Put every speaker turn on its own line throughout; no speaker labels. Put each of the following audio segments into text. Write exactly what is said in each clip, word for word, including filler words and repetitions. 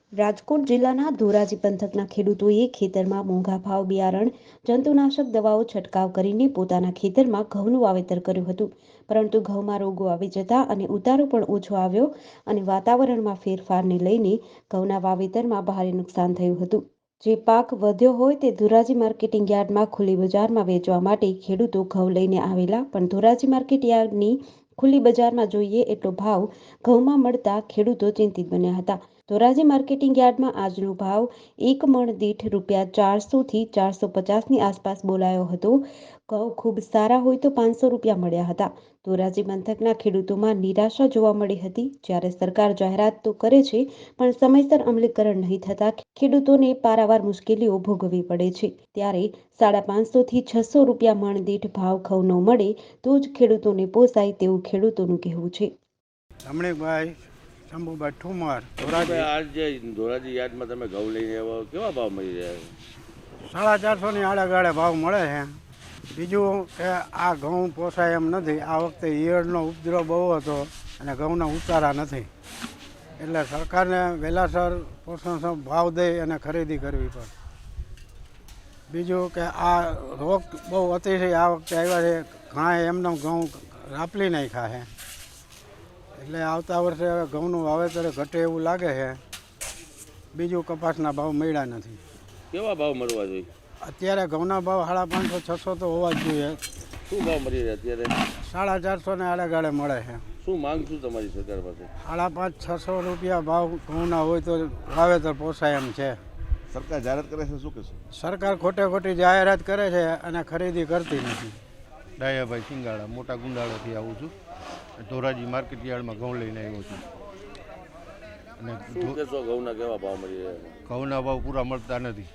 રાજકોટ જિલ્લાના ધોરાજી પંથકના ખેડૂતોએ ખેતરમાં મોંઘા ભાવ બિયારણ, જંતુનાશક દવાઓ છંટકાવ કરીને પોતાના ખેતરમાં ઘઉંનું વાવેતર કર્યું હતું. પરંતુ ઘઉંમાં રોગો આવી જતા અને ઉતારો પણ ઓછો આવ્યો અને વાતાવરણમાં ફેરફારને લઈને ઘઉંના વાવેતરમાં ભારે નુકસાન થયું હતું. જે પાક વધ્યો હોય તે ધોરાજી માર્કેટિંગ યાર્ડમાં ખુલ્લી બજારમાં વેચવા માટે ખેડૂતો ઘઉં લઈને આવેલા, પણ ધોરાજી માર્કેટ યાર્ડની ખુલ્લી બજારમાં જોઈએ એટલો ભાવ ઘઉંમાં મળતા ખેડૂતો ચિંતિત બન્યા હતા. ધોરાજી માર્કેટિંગ યાર્ડમાં આજનો ભાવ એક મણ દીઠ રૂપિયા ચારસો થી ચારસો પચાસની આસપાસ બોલાયો હતો. ઘઉં ખૂબ સારા હોય તો પાંચસો રૂપિયા મળ્યા હતા. ધોરાજી પંથકના ખેડૂતોમાં નિરાશા જોવા મળી હતી. જ્યારે સરકાર જાહેરાત તો કરે છે, પણ સમયસર અમલીકરણ નહીં થતા ખેડૂતોને પારાવાર મુશ્કેલીઓ ભોગવવી પડે છે. ત્યારે સાડા પાંચસો થી છસો રૂપિયા મણ દીઠ ભાવ ઘઉં ન મળે તો જ ખેડૂતોને પોસાય તેવું ખેડૂતોનું કહેવું છે.
રમણીકભાઈ શંભુભાઈ ઠુમર,
ધોરાજી આજ જે ધોરાજી યાર્ડમાં તમે ઘઉં લઈને આવો, કેવા ભાવ મળી રહ્યા છે?
સાડા ચારસોની આડેગાળે ભાવ મળે છે. બીજું કે આ ઘઉં પોસાય એમ નથી. આ વખતે ઈયળનો ઉપદ્રવ બહુ હતો અને ઘઉંના ઉતારા નથી, એટલે સરકારને વહેલાસર પોષણક્ષમ ભાવ દઈ અને ખરીદી કરવી પડે. બીજું કે આ રોગ બહુ અતિશય આ વખતે આવ્યા છે. ઘણા એમનો ઘઉં રાપલી નાખ્યા છે, એટલે આવતા વર્ષે હવે ઘઉંનું વાવેતર ઘટે એવું લાગે છે. બીજું કપાસના ભાવ મળ્યા નથી.
કેવા ભાવ મળવા જોઈએ?
અત્યારે ઘઉંના ભાવ સાડા પાંચસો છસો તો હોવા જ જોઈએ.
શું ભાવ મળી રહ્યા અત્યારે?
સાડા ચારસો ને આડેગાળે મળે છે.
શું માંગ શું તમારી સરકાર પાસે?
સાડા પાંચ છસો રૂપિયા ભાવ ઘઉંના હોય તો વાવેતર પોસાય એમ છે.
સરકાર જાહેરાત કરે છે, શું કહેશું?
સરકાર ખોટે ખોટી જાહેરાત કરે છે અને ખરીદી કરતી નથી.
ડાયાભાઈ સિંગાળા, મોટા ગુંડાળાથી આવું છું. ધોરાજી માર્કેટ યાર્ડમાં ઘઉં લઈને આવ્યો છું. અને
શું કહેશો, ઘઉંના કેવા ભાવ મળી રહ્યા?
ઘઉંના ભાવ પૂરા મળતા નથી.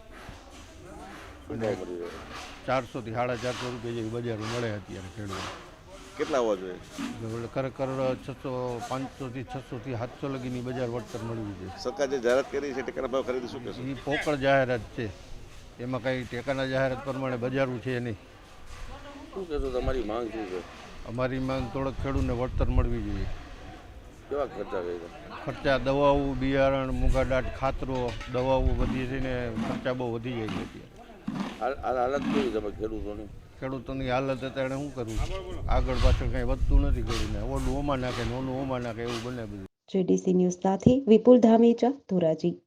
શું ભાવ મળી રહ્યા?
ચારસોથી સાડા ચારસો રૂપિયા જેવી બજાર મળે અત્યારે ખેડૂતો.
કેટલા હોવા જોઈએ?
ખરેખર છસો પાંચસોથી છસોથી સાતસો લગીની બજાર વળતર મળવી જોઈએ.
સરકાર જે જાહેરાત કરી છે ટેકાના ભાવ ખરીદી, શું કહેશો?
એ પોકળ જાહેરાત છે, એમાં કંઈ ટેકાના જાહેરાત પ્રમાણે બજારું છે નહીં.
શું કહેશો, તમારી માંગ શું છે?
અમારી માંગ થોડોક ખેડૂતને વળતર મળવી જોઈએ.
કેવા ખર્ચા કર્યા?
ખર્ચા દવાઓ, બિયારણ, મૂંગાડાટ, ખાતરો, દવાઓ બધી થઈને ખર્ચા બહુ વધી જાય છે અત્યારે.
હાલ હાલત કેવી તમે ખેડૂતોની?
ખેડૂતોની હાલત અત્યારે શું કરવું? આગળ પાછળ કંઈ વધતું નથી. કરીને ઓલું ઓમાં નાખે ને ઓલું ઓમાં નાખે એવું બને બધું.
જેડીસી ન્યૂઝ સાથે વિપુલ ધામેચા, ધોરાજી.